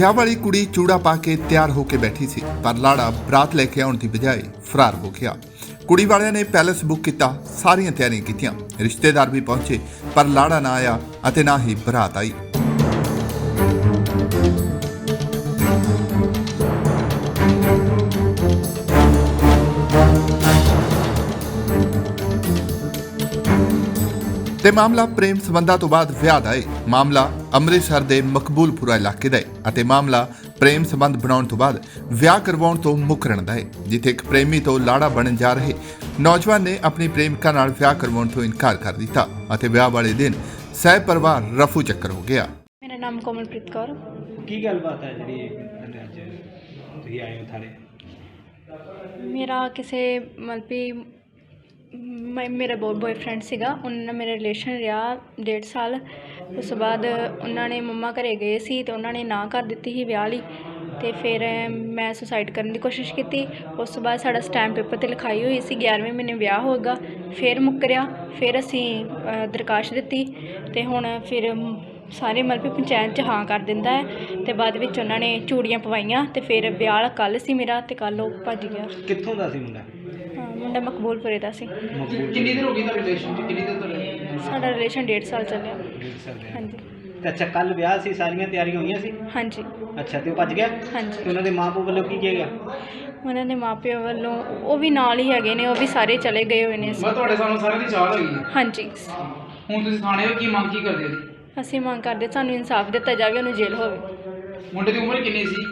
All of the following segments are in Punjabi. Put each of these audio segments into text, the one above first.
ਵਿਆਹ ਵਾਲੀ ਕੁੜੀ ਚੂੜਾ ਪਾ ਕੇ ਤਿਆਰ ਹੋ ਕੇ ਬੈਠੀ ਸੀ, ਪਰ ਲਾੜਾ ਬਰਾਤ ਲੈ ਕੇ ਆਉਣ ਦੀ ਬਜਾਏ ਫਰਾਰ ਹੋ ਗਿਆ। ਕੁੜੀ ਵਾਲਿਆਂ ਨੇ ਪੈਲਸ ਬੁੱਕ ਕੀਤਾ, ਸਾਰੀਆਂ ਤਿਆਰੀਆਂ ਕੀਤੀਆਂ, ਰਿਸ਼ਤੇਦਾਰ ਵੀ ਪਹੁੰਚੇ, ਪਰ ਲਾੜਾ ਨਾ ਆਇਆ ਅਤੇ ਨਾ ਹੀ ਬਰਾਤ ਆਈ। ਤੇ ਮਾਮਲਾ ਪ੍ਰੇਮ ਸੰਬੰਧਾਂ ਤੋਂ ਬਾਅਦ ਵਿਆਹ ਦਾ ਹੈ। ਮਾਮਲਾ ਅੰਮ੍ਰਿਤਸਰ ਦੇ ਮਕਬੂਲਪੁਰਾ ਇਲਾਕੇ ਦਾ ਹੈ ਅਤੇ ਮਾਮਲਾ ਪ੍ਰੇਮ ਸੰਬੰਧ ਬਣਾਉਣ ਤੋਂ ਬਾਅਦ ਵਿਆਹ ਕਰਵਾਉਣ ਤੋਂ ਮੁਕਰਨ ਦਾ ਹੈ, ਜਿੱਥੇ ਇੱਕ ਪ੍ਰੇਮੀ ਤੋਂ ਲਾੜਾ ਬਣਨ ਜਾ ਰਹੇ ਨੌਜਵਾਨ ਨੇ ਆਪਣੀ ਪ੍ਰੇਮਿਕਾ ਨਾਲ ਵਿਆਹ ਕਰਵਾਉਣ ਤੋਂ ਇਨਕਾਰ ਕਰ ਦਿੱਤਾ ਅਤੇ ਵਿਆਹ ਵਾਲੇ ਦਿਨ ਸਹਿ ਪਰਿਵਾਰ ਰਫੂ ਚੱਕਰ ਹੋ ਗਿਆ। ਮੇਰਾ ਨਾਮ ਕੋਮਲਪ੍ਰੀਤ ਕੌਰ। ਕੀ ਗੱਲਬਾਤ ਹੈ ਜਿਹੜੀ ਅੱਜ ਤੁਸੀਂ ਆਏ ਹੋ ਥਾਣੇ? ਮੇਰਾ ਕਿਸੇ ਮਤਲਬ ਮੇਰਾ ਬॉयਫ੍ਰੈਂਡ ਸੀਗਾ, ਉਹਨਾਂ ਨਾਲ ਮੇਰਾ ਰਿਲੇਸ਼ਨ ਰਿਹਾ 1.5 ਸਾਲ। ਉਸ ਤੋਂ ਬਾਅਦ ਉਹਨਾਂ ਨੇ ਮੰਮਾ ਘਰੇ ਗਏ ਸੀ ਤੇ ਉਹਨਾਂ ਨੇ ਨਾ ਕਰ ਦਿੱਤੀ ਸੀ ਵਿਆਹ ਲਈ, ਤੇ ਫਿਰ ਮੈਂ ਸੁਸਾਈਡ ਕਰਨ ਦੀ ਕੋਸ਼ਿਸ਼ ਕੀਤੀ। ਉਸ ਤੋਂ ਬਾਅਦ ਸਾਡਾ ਸਟੈਂਪ ਪੇਪਰ 'ਤੇ ਲਿਖਾਈ ਹੋਈ ਸੀ 11ਵੇਂ ਮਹੀਨੇ ਵਿਆਹ ਹੋਏਗਾ, ਫਿਰ ਮੁੱਕਰਿਆ। ਫਿਰ ਅਸੀਂ ਦਰਖਾਸਤ ਦਿੱਤੀ ਤੇ ਹੁਣ ਫਿਰ ਸਾਰੇ ਮਤਲਬ ਪੰਚਾਇਤ 'ਚ ਹਾਂ ਕਰ ਦਿੰਦਾ ਹੈ ਤੇ ਬਾਅਦ ਵਿੱਚ ਉਹਨਾਂ ਨੇ ਚੂੜੀਆਂ ਪਵਾਈਆਂ ਤੇ ਫਿਰ ਵਿਆਹ ਕੱਲ੍ਹ ਸੀ ਮੇਰਾ ਤੇ ਕੱਲ੍ਹ ਉਹ ਭੱਜ ਗਿਆ। ਕਿੱਥੋਂ ਦਾ ਸੀ ਮੁੰਡਾ? ਮੁੰਡਾ ਮਕਬੂਲਪੁਰੇ ਦਾ ਸੀ। ਕਿੰਨੀ ਦੇਰ ਹੋ ਗਈ ਤੁਹਾਡਾ ਰਿਲੇਸ਼ਨ? ਕਿੰਨੀ ਦੇਰ ਤੋਂ? ਸਾਡਾ ਰਿਲੇਸ਼ਨ 1.5 ਸਾਲ ਚੱਲਿਆ। 1.5 ਸਾਲ ਰਿਹਾ। ਹਾਂਜੀ ਤੇ ਅੱਛਾ, ਕੱਲ ਵਿਆਹ ਸੀ, ਸਾਰੀਆਂ ਤਿਆਰੀਆਂ ਹੋਈਆਂ ਸੀ? ਹਾਂਜੀ ਅੱਛਾ, ਤੇ ਉਹ ਭੱਜ ਗਿਆ? ਹਾਂਜੀ। ਤੇ ਉਹਨਾਂ ਦੇ ਮਾਂ-ਪਿਓ ਵੱਲੋਂ ਕੀ ਕਿਹਾ ਗਿਆ? ਉਹਨਾਂ ਦੇ ਮਾਪਿਆਂ ਵੱਲੋਂ ਉਹ ਵੀ ਨਾਲ ਹੀ ਹੈਗੇ ਨੇ, ਉਹ ਵੀ ਸਾਰੇ ਚਲੇ ਗਏ ਹੋਏ ਨੇ। ਮੈਂ ਤੁਹਾਡੇ ਸਾਨੂੰ ਸਾਰਿਆਂ ਦੀ ਚਾਹ ਹੈਗੀ ਹੈ। ਹਾਂਜੀ। ਹੁਣ ਤੁਸੀਂ ਥਾਣੇ ਹੋ, ਕੀ ਮੰਗ ਕੀ ਕਰਦੇ ਜੀ? ਅਸੀਂ ਮੰਗ ਕਰਦੇ ਸਾਨੂੰ ਇਨਸਾਫ ਦਿੱਤਾ ਜਾਵੇ, ਉਹਨੂੰ ਜੇਲ੍ਹ ਹੋਵੇ। ਮੁੰਡੇ ਦੀ ਉਮਰ ਕਿੰਨੀ ਸੀ?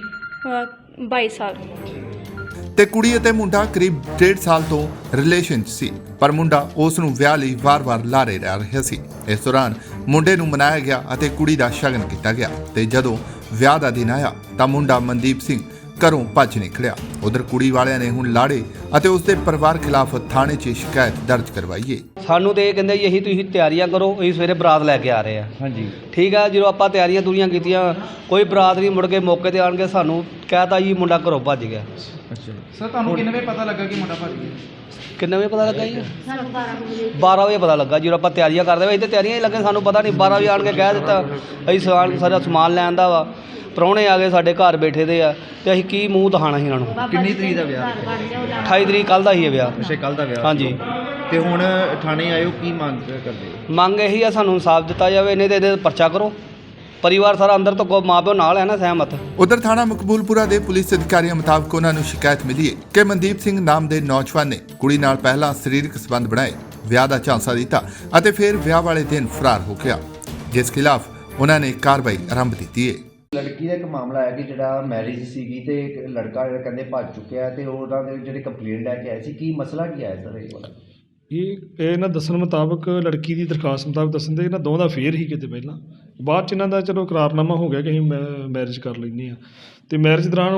22 ਸਾਲ। ਤੇ ਕੁੜੀ ਅਤੇ ਮੁੰਡਾ ਕਰੀਬ 1.5 ਸਾਲ ਤੋਂ ਰਿਲੇਸ਼ਨ 'ਚ ਸੀ, ਪਰ ਮੁੰਡਾ ਉਸ ਨੂੰ ਵਿਆਹ ਲਈ ਵਾਰ-ਵਾਰ ਲਾਰੇ ਰਹਿ ਰਿਹਾ ਸੀ। ਇਸ ਦੌਰਾਨ ਮੁੰਡੇ ਨੂੰ ਮਨਾਇਆ ਗਿਆ ਅਤੇ ਕੁੜੀ ਦਾ ਸ਼ਗਨ ਕੀਤਾ ਗਿਆ ਤੇ ਜਦੋਂ ਵਿਆਹ ਦਾ ਦਿਨ ਆਇਆ ਤਾਂ ਮੁੰਡਾ ਮਨਦੀਪ ਸਿੰਘ ਘਰੋਂ ਭੱਜ ਨਿਕਲਿਆ। ਉਧਰ ਕੁੜੀ ਵਾਲਿਆਂ ਨੇ ਹੁਣ ਲਾੜੇ ਅਤੇ ਉਸ ਦੇ ਪਰਿਵਾਰ ਖਿਲਾਫ ਥਾਣੇ 'ਚ ਸ਼ਿਕਾਇਤ ਦਰਜ ਕਰਵਾਈ ਹੈ। ਸਾਨੂੰ ਤੇ ਇਹ ਕਹਿੰਦੇ ਜੀ ਅਸੀਂ ਤੁਸੀਂ ਤਿਆਰੀਆਂ ਕਰੋ, ਅਸੀਂ ਸਵੇਰੇ ਬਰਾਤ ਲੈ ਕੇ ਆ ਰਹੇ ਆ। ਹਾਂਜੀ ਠੀਕ ਆ, ਜਦੋਂ ਆਪਾਂ ਤਿਆਰੀਆਂ ਤੁਰੀਆਂ ਕੀਤੀਆਂ, ਕੋਈ ਬਰਾਤ ਨਹੀਂ, ਮੁੜ ਕੇ ਮੌਕੇ ਤੇ ਆਣ ਕੇ ਸਾਨੂੰ ਕਹਿਤਾ ਜੀ ਮੁੰਡਾ ਘਰੋਂ ਭੱਜ ਗਿਆ। ਅੱਛਾ ਸਰ, ਤੁਹਾਨੂੰ ਕਿੰਨੇ ਵਜੇ ਪਤਾ ਲੱਗਾ ਕਿ ਮੁੰਡਾ ਭੱਜ ਗਿਆ? ਕਿੰਨੇ ਵਜੇ ਪਤਾ ਲੱਗਾ ਜੀ? 12 ਵਜੇ ਪਤਾ ਲੱਗਾ। ਜਦੋਂ ਆਪਾਂ ਤਿਆਰੀਆਂ ਕਰਦੇ ਹੋਏ, ਇੱਥੇ ਤਿਆਰੀਆਂ ਹੀ ਲੱਗੇ, ਸਾਨੂੰ ਪਤਾ ਨਹੀਂ। 12 ਵਜੇ ਆਣ ਕੇ ਕਹਿ ਦਿੱਤਾ ਅਸੀਂ ਸਾਰਾ ਸਮਾਨ ਲੈਣ ਦਾ ਵਾ, ਪ੍ਰਾਹੁਣੇ ਆ ਗਏ ਸਾਡੇ ਘਰ ਬੈਠੇ ਦੇ ਆ, ਤੇ ਅਸੀਂ ਕੀ ਮੂੰਹ ਦਿਖਾਣਾ ਸੀ ਇਹਨਾਂ ਨੂੰ। ਕਿੰਨੀ ਤਰੀਕ ਦਾ ਵਿਆਹ? 28 ਤਰੀਕ ਕੱਲ੍ਹ ਦਾ ਹੀ ਹੈ ਵਿਆਹ। ਅੱਛਾ, ਕੱਲ੍ਹ ਦਾ ਵਿਆਹ। ਹਾਂਜੀ। ਤੇ ਹੁਣ ਥਾਣੇ ਆਇਓ, ਕੀ ਮੰਗ ਕਰਦੇ? ਮੰਗ ਇਹੀ ਆ ਸਾਨੂੰ ਇਨਸਾਫ ਦਿੱਤਾ ਜਾਵੇ, ਨਹੀਂ ਤੇ ਇਹਦੇ ਪਰਚਾ ਕਰੋ। ਪਰਿਵਾਰ ਸਾਰਾ ਅੰਦਰ ਤੋਂ ਮਾਂ ਪਿਓ ਨਾਲ ਹੈ ਨਾ, ਸਹਿਮਤ। ਉਧਰ ਥਾਣਾ ਮਕਬੂਲਪੁਰਾ ਦੇ ਪੁਲਿਸ ਅਧਿਕਾਰੀਆਂ ਮੁਤਾਬਕ ਉਹਨਾਂ ਨੂੰ ਸ਼ਿਕਾਇਤ ਮਿਲੀ ਹੈ ਕਿ ਮਨਦੀਪ ਸਿੰਘ ਨਾਮ ਦੇ ਨੌਜਵਾਨ ਨੇ ਕੁੜੀ ਨਾਲ ਪਹਿਲਾਂ ਸਰੀਰਕ ਸੰਬੰਧ ਬਣਾਏ, ਵਿਆਹ ਦਾ ਝਾਂਸਾ ਦਿੱਤਾ ਅਤੇ ਫਿਰ ਵਿਆਹ ਵਾਲੇ ਦਿਨ ਫਰਾਰ ਹੋ ਗਿਆ, ਜਿਸ ਖਿਲਾਫ ਉਹਨਾਂ ਨੇ ਕਾਰਵਾਈ ਆਰੰਭ ਦਿੱਤੀ ਹੈ। ਲੜਕੀ ਦਾ ਇੱਕ ਮਾਮਲਾ ਹੈ ਕਿ ਜਿਹੜਾ ਮੈਰਿਜ ਸੀਗੀ ਤੇ ਇੱਕ ਲੜਕਾ ਜਿਹੜਾ ਕਹਿੰਦੇ ਭੱਜ ਚੁੱਕਿਆ ਤੇ ਉਹਨਾਂ ਦੇ ਜਿਹੜੇ ਕੰਪਲੇਂਟ ਲੈ ਕੇ ਆਏ ਸੀ, ਕੀ ਮਸਲਾ ਕੀ ਆਇਆ ਸਰ ਇਹ ਵਾਲਾ? ਇਹ ਇਹਨਾਂ ਦੱਸਣ ਮੁਤਾਬਕ, ਲੜਕੀ ਦੀ ਦਰਖਾਸਤ ਮੁਤਾਬਕ ਦੱਸਣ ਦੇ ਇਹਨਾਂ ਦੋਵਾਂ ਦਾ ਫੇਰ ਹੀ ਕਿਤੇ ਪਹਿਲਾਂ, ਬਾਅਦ 'ਚ ਇਹਨਾਂ ਦਾ ਚਲੋ ਇਕਰਾਰਨਾਮਾ ਹੋ ਗਿਆ ਕਿ ਅਸੀਂ ਮੈਰਿਜ ਕਰ ਲੈਂਦੇ ਹਾਂ। ਅਤੇ ਮੈਰਿਜ ਦੌਰਾਨ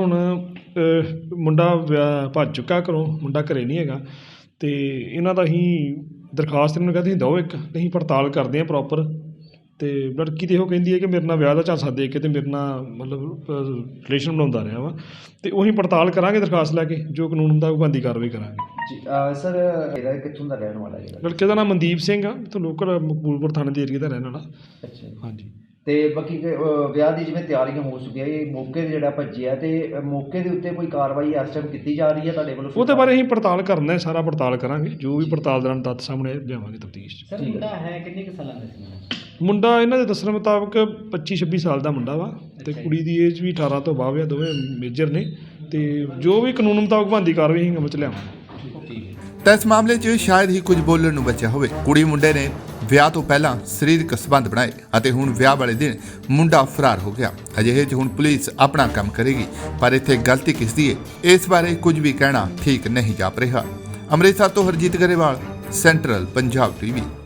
ਹੁਣ ਮੁੰਡਾ ਭੱਜ ਚੁੱਕਾ ਘਰੋਂ, ਮੁੰਡਾ ਘਰੇ ਨਹੀਂ ਹੈਗਾ। ਅਤੇ ਇਹਨਾਂ ਦਾ ਅਸੀਂ ਦਰਖਾਸਤ ਇਹਨਾਂ ਨੂੰ ਕਹਿੰਦੇ ਦਿਓ ਇੱਕ, ਅਸੀਂ ਪੜਤਾਲ ਕਰਦੇ ਹਾਂ ਪ੍ਰੋਪਰ। ਅਤੇ ਲੜਕੀ ਤਾਂ ਇਹੋ ਕਹਿੰਦੀ ਹੈ ਕਿ ਮੇਰੇ ਨਾਲ ਵਿਆਹ ਦਾ ਝਾਂਸਾ ਦੇ ਕੇ ਅਤੇ ਮੇਰੇ ਨਾਲ ਮਤਲਬ ਰਿਲੇਸ਼ਨ ਬਣਾਉਂਦਾ ਰਿਹਾ ਵਾ, ਅਤੇ ਉਹੀ ਪੜਤਾਲ ਕਰਾਂਗੇ ਦਰਖਾਸਤ ਲੈ ਕੇ, ਜੋ ਕਾਨੂੰਨ ਹੁੰਦਾ ਉਹ ਬਣਦੀ ਕਾਰਵਾਈ ਕਰਾਂਗੇ। ਸਰ ਇਹਦਾ ਕਿੱਥੋਂ ਦਾ ਰਹਿਣ ਵਾਲਾ ਹੈ? ਲੜਕੇ ਦਾ ਨਾਮ ਮਨਦੀਪ ਸਿੰਘ ਆ, ਇੱਥੋਂ ਲੋਕਲ ਮਕਬੂਲਪੁਰ ਥਾਣੇ ਦੇ ਏਰੀਏ ਦਾ ਰਹਿਣ ਵਾਲਾ। ਅੱਛਾ ਹਾਂਜੀ। ਤੇ ਬਾਕੀ ਵਿਆਹ ਦੀ ਜਿਵੇਂ ਤਿਆਰੀਆਂ ਹੋ ਚੁੱਕੀਆਂ, ਇਹ ਮੌਕੇ 'ਤੇ ਜਿਹੜਾ ਭੱਜਿਆ ਤੇ ਮੌਕੇ ਦੇ ਉੱਤੇ ਕੋਈ ਕਾਰਵਾਈ ਇਸ ਟਾਈਮ ਕੀਤੀ ਜਾ ਰਹੀ ਹੈ ਤੁਹਾਡੇ ਵੱਲੋਂ? ਉਹਦੇ ਬਾਰੇ ਅਸੀਂ ਪੜਤਾਲ ਕਰਨਾ ਹੈ, ਸਾਰਾ ਪੜਤਾਲ ਕਰਾਂਗੇ, ਜੋ ਵੀ ਪੜਤਾਲ ਦੌਰਾਨ ਤੱਥ ਸਾਹਮਣੇ ਲਿਆਵਾਂਗੇ ਤਫਤੀਸ਼ 'ਚ। ਸਰ ਮੁੰਡਾ ਹੈ ਕਿੰਨੇ ਕੁ ਸਾਲਾਂ ਦਾ ਸੀ? ਮੁੰਡਾ ਇਹਨਾਂ ਦੇ ਦੱਸਣ ਮੁਤਾਬਕ 25-26 ਸਾਲ ਦਾ ਮੁੰਡਾ ਵਾ, ਤੇ ਕੁੜੀ ਦੀ ਏਜ ਵੀ 18 ਤੋਂ ਬਾਅਦ ਆ, ਦੋਵੇਂ ਮੇਜਰ ਨੇ, ਤੇ ਜੋ ਵੀ ਕਾਨੂੰਨ ਮੁਤਾਬਕ ਬਣਦੀ ਕਾਰਵਾਈ ਅਸੀਂ ਅਮਲ 'ਚ ਲਿਆਵਾਂਗੇ। ਤਾਂ ਇਸ ਮਾਮਲੇ 'ਚ ਸ਼ਾਇਦ ਹੀ ਕੁਝ ਬੋਲਣ ਨੂੰ ਬਚਿਆ ਹੋਵੇ। ਕੁੜੀ ਮੁੰਡੇ ਨੇ ਵਿਆਹ ਤੋਂ ਪਹਿਲਾਂ ਸਰੀਰਕ ਸੰਬੰਧ ਬਣਾਏ ਅਤੇ ਹੁਣ ਵਿਆਹ ਵਾਲੇ ਦਿਨ ਮੁੰਡਾ ਫਰਾਰ ਹੋ ਗਿਆ। ਅਜਿਹੇ 'ਚ ਹੁਣ ਪੁਲਿਸ ਆਪਣਾ ਕੰਮ ਕਰੇਗੀ, ਪਰ ਇੱਥੇ ਗਲਤੀ ਕਿਸ ਦੀ ਹੈ, ਇਸ ਬਾਰੇ ਕੁਝ ਵੀ ਕਹਿਣਾ ਠੀਕ ਨਹੀਂ ਜਾਪ ਰਿਹਾ। ਅੰਮ੍ਰਿਤਸਰ ਤੋਂ ਹਰਜੀਤ ਗਰੇਵਾਲ, ਸੈਂਟਰਲ ਪੰਜਾਬ TV।